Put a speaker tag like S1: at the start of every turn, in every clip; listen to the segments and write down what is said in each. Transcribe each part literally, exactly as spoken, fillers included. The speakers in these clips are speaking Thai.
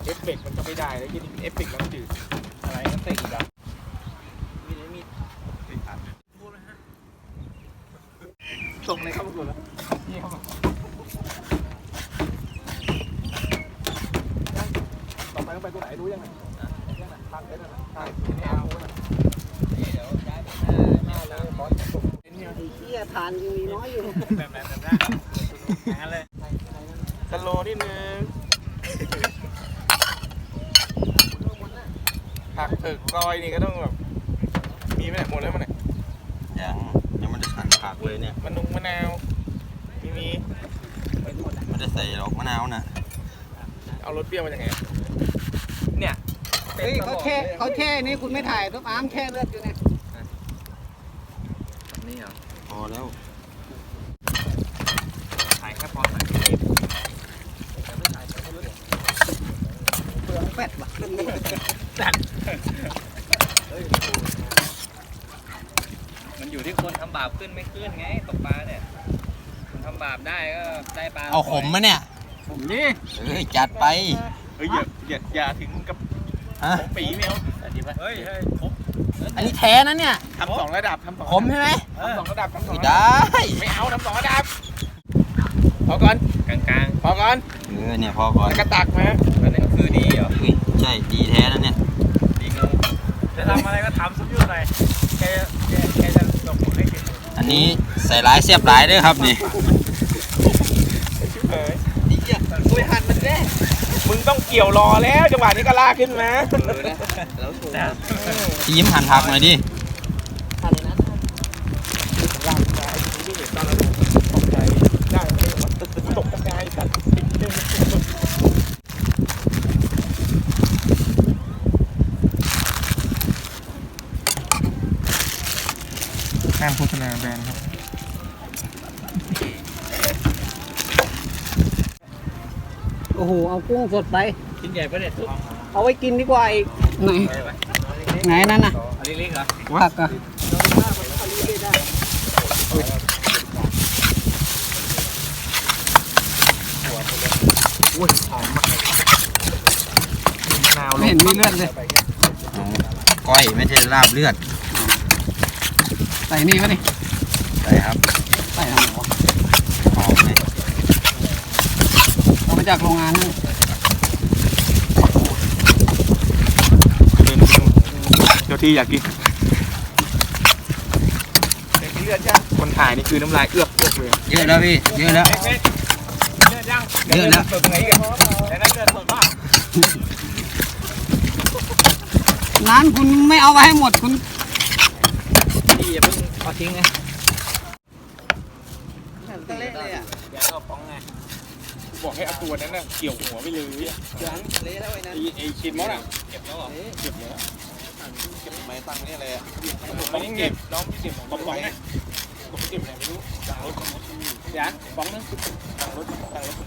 S1: อฟเฟกต์มันก็ไม่ได้แล้วยิ่งเอฟเฟกต์แล้วจืดอะไรก็เตะอีกอ่ะมีดมีดติดขาดพูดเลยฮะส่งเลยครับทุกคนแล้วนี่ครับต่อไปต้องไปตัวไหนรู้ยังไงทางเดินทางไม่เอานี่เดี๋ยวย้ายไปหน้าหน้าเลยบอสส่งไอ้เหี้ยทานยังมีน้อยอยู่แบบแบบแบบนั้นงั้นเลยสโลว์นิดนึงผักเผือกซอยนี่ก็ต้องแบบมีไหมเนี่ยหมดแล้วมันเนี่ย
S2: ยังยังไม่ได้หั่นผักเลยเนี่ย
S1: มะนุงมะนาวมีมี
S2: ไม่ได้ใส่หรอกมะนาวนะ
S1: เอารสเปรี้ยวมาจากไหนเนี่ย
S3: เฮ้ยเขาแช่เขาแช่นี่คุณไม่ถ่ายต้องอ้ามแช่เลือดอยู่เนี่ย
S1: นี่เหรอ
S2: พอแล้ว
S1: ถ่ายแค่พอถ่ายเป
S3: ลืองเป็ดว่ะ
S1: จัดมันอยู่ที่คนทำบาปขึ้นไม่ขึ้นไงตกปลาเนี่ยคนทำบาปได้ก็ได้ปลา
S2: เอาขมมะเนี่ย
S1: ผมนี่
S2: เฮ้ยจัดไป
S1: เฮ้ยอย่าอย่าอย่าถึงกับของปีไม่เอาเฮ้ยเฮ้ย
S2: อันนี้แท้นะเนี่ย
S1: ทำสองระดับทำสอง
S2: ขมใช่ไหม
S1: ทำสองระดับทำสอง
S2: ได้
S1: ไม่เอาทำสองระดับพอก่อนกลางกลางพอก่อน
S2: เออเนี่ยพอก่อน
S1: กระตักมาอันนี้ก็คือดีเหรอ
S2: ใช่ดีแท้นะเนี่ย
S1: ดีงูจะทำอะไรก็ทำซุปยุ่หน่อยแกแกแกจะส่งผลให้กิน
S2: อันนี้ใส่ร้ายเสียบร้ายด้วยครับนี่
S1: เฮ้ยนี่เกี่ยวคุยหันมันแน่มึงต้องเกี่ยวรอแล้วจังหวะนี้ก็ลากขึ้นมา
S2: พี่ยิ้มหั่นผักหน่อยดิ
S3: หั่นเลยนะ
S1: ลากมาไอ้ที่นี่เห็นตอนเราตกใจได้ไม่ได้ว่าตกใจสัตว์ห้ามโฆษณาแบรนด์ครับ
S3: โอ้โหเอากุ้งสดไป
S1: กินใหญ่ปะเนี่ย
S3: เอาไว้กินดีกว่าอีกไหนไหนนั่นน่ะ
S1: เล็กๆเหรอ
S3: ผักอ่ะ
S1: อุ้ยหอมมากมะนาว
S3: ไม่เห็นมีเลือดเลย
S2: ก้อยไม่ใช่ลาบเลือด
S3: ใส่นี่ปะนี่
S2: ใส่ครับ
S3: ใส่ทำหรอ
S2: หอมเลย
S3: เอามาจากโรงงานนั่น
S1: เดี๋ยวที่อยากกินเลือดยังคนถ่ายนี่คือน้ำลายเอื้อกเอื้อกเลย
S2: เยอะแล้วพี่เยอะแล้ว
S1: เลือดยัง
S2: เยอะแล้ว
S1: สดไงกันแต่นั่นเลือดสดมาก
S3: ร้านคุณไม่เอาไว้ให้หมดคุณ
S1: พี่อย่าเพิ่งเอาทิ้งไง
S3: ตะเละเลยอ่ะ
S1: อย่าเอาป้องไงบอกให้เอาตัวนั้นน่ะเกี่ยวหัวไปเลยอ่ะ
S3: ยังเละแล้วไอ้นั่น
S1: ไอ้ชิ้นมอสอ่ะเก็บแล้วเหรอเก็บแล้วเก็บไม้ตั้งนี่เลยอ่ะไม่ได้เก็บน้องพี่เก็บของป้องนะผมเก็บอะไรไม่รู้ต่างรถยันป้องนึงต่างรถต่างรถ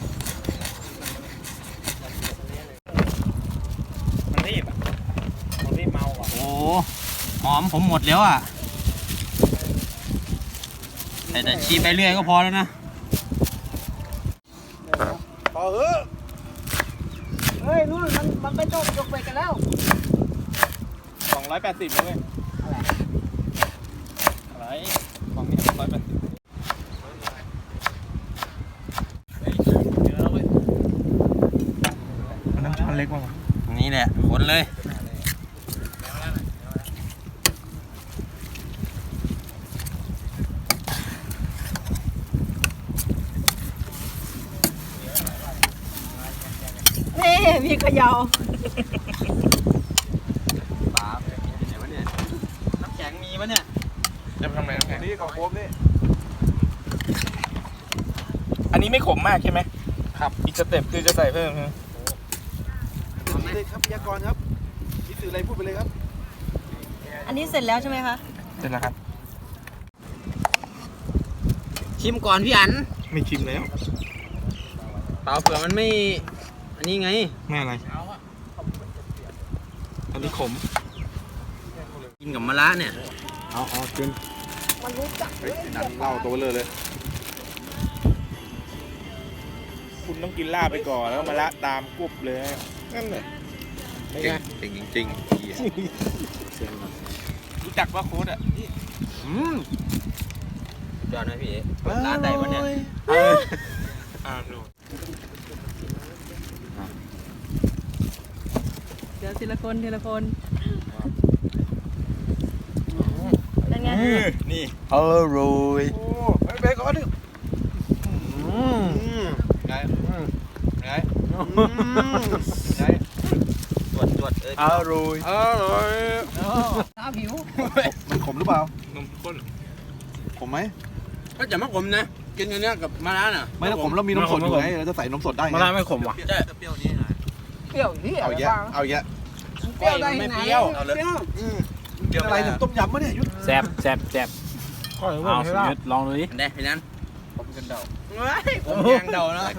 S1: มันรีบอ่ะมันรีบเมาอ่ะ
S2: โอ้หอมผมหมดแล้วอ่ะแต่จะชีไปเรื่อยก็พอแล้วนะ
S1: พอเฮ้ย
S3: เฮ้ยนู่นมันมันไปโจกยกไปกันแล้ว
S1: สองร้อยแปดสิบเลยอะไรของนี่สองร้อยแปดสิบมันน้ำช้อนเล็กมาก
S2: นี่แหละคนเลย
S3: นี่มีขยาว
S2: ปลาเดี๋ยววะเนี่ยน้ำแข็งมีปะเนี่ย
S1: จะทำอะไรน้ำแข็งนี่ของโค้งนี่อันนี้ไม่ขมมากใช่ไหมครับอีกสเต็ปคือจะใส่เพิ่มเลยครับพยากรณ์ครับคิดถึงอะไรพูดไปเลยครับ
S3: อันนี้เสร็จแล้วใช่ไหมคะ
S1: เสร็จแล้วครับ
S2: ชิมก่อนพี่อัน
S1: ไม่ชิมแล้ว
S2: เปล่าเผื่อมันไม่อันนี้ไง
S1: ไม่อะไรอันนี้ขม
S2: กินกับมะระเนี่ย
S1: เอาเอากินมันรู้จักเลยนั่นเล่าตัวเลยเลยคุณต้องกินลาบไปก่อนแล้วมะระตามกุบเลยนั่นแหละ
S2: เก่งเก่งจริงๆเหี้ย
S1: รู้จักว่าโค้ดอ่ะอืม
S2: ยอดไหมพี่ร้านใดวะเนี่ย
S1: อ่าดู
S4: เดี๋ยวทีละคนทีละคนเป็นไง
S2: นี่
S1: อร่อยโอ้ไปไปก่อนดิอืม
S2: ไง
S1: อืม
S2: ไง
S1: อืม
S2: ไงตรวจตรวจเอ้ย
S1: อร่อยอร่อย
S3: น้ำหิว
S1: มันขมหรือเปล่าน
S2: มข้น
S1: ขมไหม
S2: ก็จะไม่ขมนะกินอันเนี้ยกับมะระน่ะ
S1: ไม่ถ้าขมแล้วมีนมสดอยู่ไงเราจะใส่นมสดได้ไง
S5: มะระไม่ขมว่ะ
S2: ใช่เปรี้ยวนี้หน่อย
S3: เปรี้ยวนี่
S1: เอาแยะเอาแยะ
S3: เปรี้ยวได้ไหนเปรี้ยว
S1: กินอะไรเนี่ยต้มยำมะเนี่ยยุทธ
S5: แซ่บแซ่บแซ่บเอาสุดยอดลองดูดิ
S2: อันใดพี่นั้น
S1: ผมกันเดา
S2: เฮ้ยผมยางเดานะ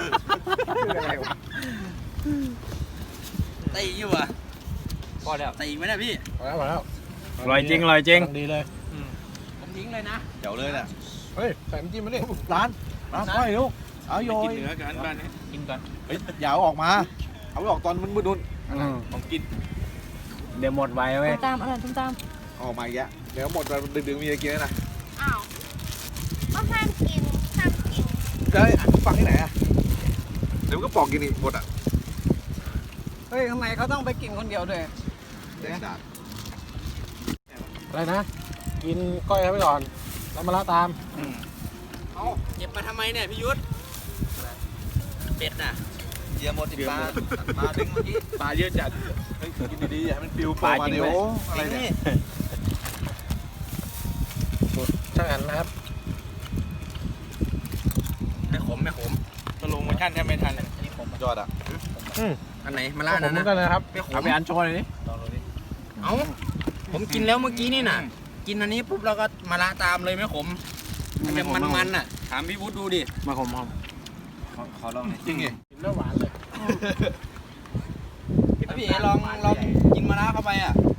S2: ตีอยู่อ่ะพอแล้วตีไหมนะพี่
S1: พอแล้วพอแล้ว
S5: อร่อยจริงอร่อยจริง
S1: ดีเลย
S2: ผมทิ้งเลยนะ
S1: เดี๋ยวเลยน่ะเฮ้ยใส่น้ำจิ้มมาดิร้านร้านไปลูกเอาโย
S2: กิน
S1: ย
S2: เนื้อกันบ้านนี้
S5: กินก่อน
S1: เฮ้ยอย่าเอาออกมาเอาไปออกตอนมันมืดนุ่น
S2: ผมกิน
S5: เดี๋ยวหมดไวเว้ย
S4: ส้มตามอร่อยส้มตาม
S1: ออกมาอีกแล้วเดี๋ยวหมดไปดึกๆมีอะไรกินนะ
S6: อ้าวก็ห้ามกินห้ามกิน
S1: จะให้ฟังที่ไหนอ่ะเดี๋ยวมันก็ปอกกินอีกหมดอ่ะ
S3: เฮ้ยทำไมเขาต้องไปกินคนเดียวด้วย
S1: เด็ดดาด
S5: อะไรนะ กินก้อยไปก่อนแล้วมาละตาม
S2: เอาเก็บมาทำไมเนี่ยพี่ยุทธเป็ดน่ะเยี่ยมหมดสิปลาปลาดึงเมื่อกี้
S1: ปลาเยอะจัดเฮ้ยกินดีๆอย่าให้มันปิวโผล่มาเดี๋ยวอะไรเนี่ย
S5: ช่างอันนะครับ
S2: ไม่ขมไม่ขม
S1: สโลโมชั่นแทบไม่ทันยอดอ่ะ
S2: อันไหนมาล่า
S5: ผ
S2: นั่
S5: ม
S2: น
S5: เหมือ
S2: นะ
S5: นกันเลยครับ
S2: ไม่ขม
S5: เอาไปอันโชว์หน่อยดิ
S2: เอ้าผมกินแล้วเมื่อกี้นี่น่ะ กินอันนี้ปุ๊บเราก็มาละตามเลยไม่ขมมันจะมันๆน่ะถามพี่วุฒิดูดิ
S5: มาขมหอม
S1: ขอลองหน่อยจริงไง
S5: กินแล้วหวานเลย
S2: พี่เอ๋ลองลองกินมะระเข้าไปอ่ะ